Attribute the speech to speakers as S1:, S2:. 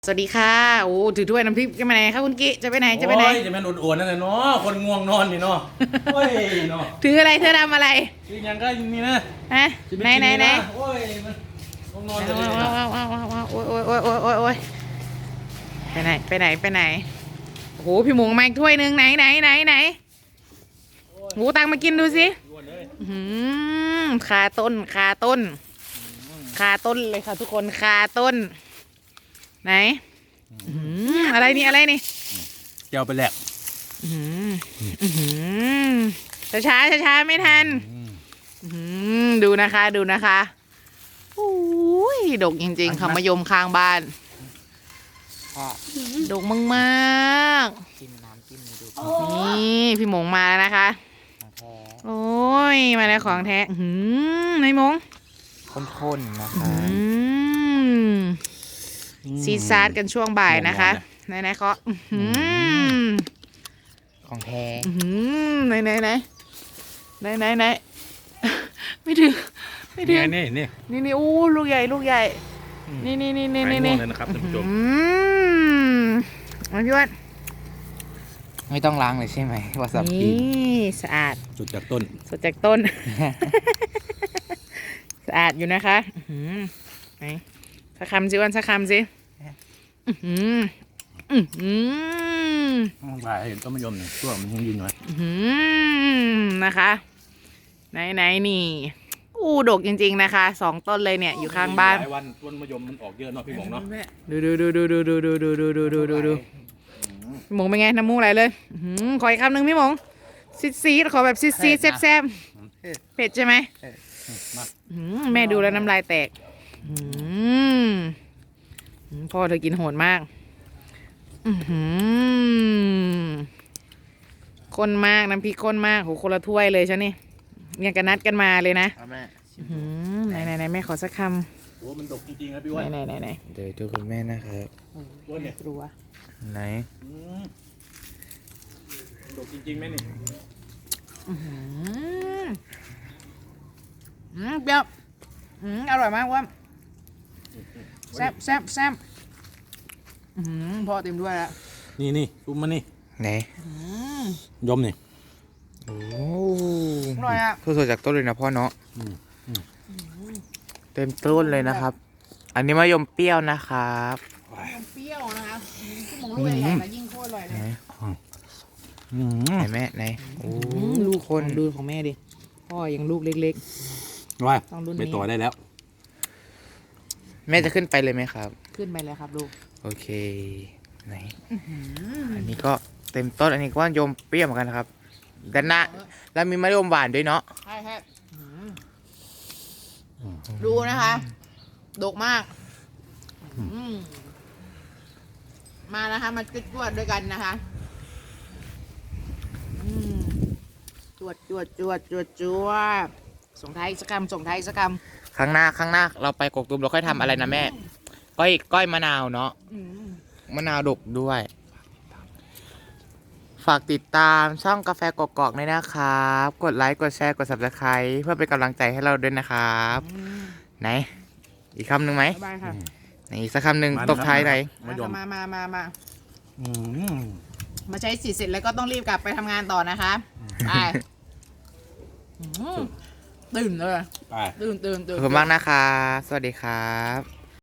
S1: สวัสดีค่ะโอ้ถือถ้วยน้ำพริกจะไปไหนคะคุณกิ๊จะไปไหนจะไปไหน
S2: จะเป็นอวดๆนั่นแหละเนาะคนง่วงนอนนี่เนาะโอ้ยเนาะ
S1: ถืออะไรเธอทำอะไร
S2: คือยังก็นี่นะ
S1: ฮะไหน
S2: โอ้ยมันง่วงนอนเลย
S1: โอ้ยโอ้ยไปไหนโอ้โหพี่หมูมาอีกถ้วยหนึ่งไหนหมูตังมากินดูสิคาต้นเลยค่ะทุกคนคาต้นไหนอะไรนี่
S2: เจ้าไปแหลก
S1: ช้าไม่ทันดูนะคะอุ้ยดกจริงๆค่ะมะยมข้างบ้านดกมาก
S3: จิ้มน้ำจิ้มดู
S1: ๆนี่พี่หมงมาแล้วนะคะโอ้ยมาแล้วของแท้นายหมง
S3: ข้นๆนะคะ
S1: ซีซาร์กันช่วงบ่ายนะคะไหนเคาะ
S3: ของแท้
S1: ไหนไม่ถึงนี่อู้ลูกใหญ่นี่
S2: เลยนะครับท่านผู้ชม
S1: มาพี่วัด
S3: ไม่ต้องล้างเลยใช่ไหมวาซาบิ
S1: นี่สะอาด
S2: สดจากต้น
S1: สะอาดอยู่นะคะไหนสักคำสิวันสักคำสิ
S2: บ่ายเห็นต้นมะยมเนี่ยตัวมันยังยืนอยู่
S1: นะคะไหนนี่อู้ดกจริงๆนะคะ2 ต้นเลยเนี่ยอยู่ข้างบ้าน
S2: หลายวันต้นมะยมมันออกเยอะเนาะพี่หมงเนาะ
S1: ดูพี่หมงเป็นไงน้ำมูกไหลเลยขออีกคำหนึ่งพี่หมงซีดขอแบบซีดแซ่บเผ็ดใช่ไหมแม่ดูแล้วน้ำลายแตกพ่อเธอกินโหดมากข้นมากน้ำพริกข้นมากโหคนละถ้วยเลยใช่นี่ยังกันนัดกันมาเลยนะไหนแม่ขอสักค
S2: ำโอ้มันดกจริงๆครับพี่วัน
S1: ไหน
S3: เดี๋ยวดูคุณแม่นะครับ
S1: กลัว
S3: ไหน
S2: ดกจริงๆไหมนี่
S1: เปรี้ยวอร่อยมากว่ะแซ่บพ่อเต็มด้วยแล้ว
S2: นี่ซุปมันนี่
S3: ไหน
S2: ยมนี่
S3: โอ้
S1: อร่อยอ่ะ
S3: สดจากต้นเลยนะพ่อเนาะเต็มต้นเลยนะครับอันนี้มะยมเปรี้ยวนะครับ
S1: เปรี้ยวนะคะที่มองลูกใหญ่ๆยิ่งโคตรอร่อยเลย
S3: ไหนแม่ไหนโอ้
S1: ลูกคนดูของแม่ดิพ่อยังลูกเล็ก
S2: ๆว่าไปต่อได้แล้ว
S3: แม่จะขึ้นไปเลยไหมครับ
S1: ขึ้นไปเลยครับลูก
S3: โอเคไหนอันนี้ก็เต็มต้นอันนี้ก็ว่ายมเปรี้ยวเหมือนกันนะครับด้านหน้าแล้วมีมะยมหวานด้วยเนาะ
S1: ใช่ดูนะคะดกมากมานะคะมาจวดด้วยกันนะคะจวดส่งท้ายสักคำ
S3: ครั้งหน้าเราไปกกตูมเราค่อยทำอะไรนะแม่ก้อยมะนาวเนาะมะนาวดกด้วยฝากติดตามช่องกาแฟกอกๆด้วยนะครับกดไลค์กดแชร์กด Subscribe เพื่อเป็นกำลังใจให้เราด้วยนะครับไหนอีกคำหนึ่งไหมไหนอีกสักคำหนึ่งตกท้ายไหน
S1: มาใช้สิทธิ์เสร็จแล้วก็ต้องรีบกลับไปทำงานต่อนะคะไปตื่นเลยตื่น
S3: ขอบคุณมากนะคะสวัสดีครับ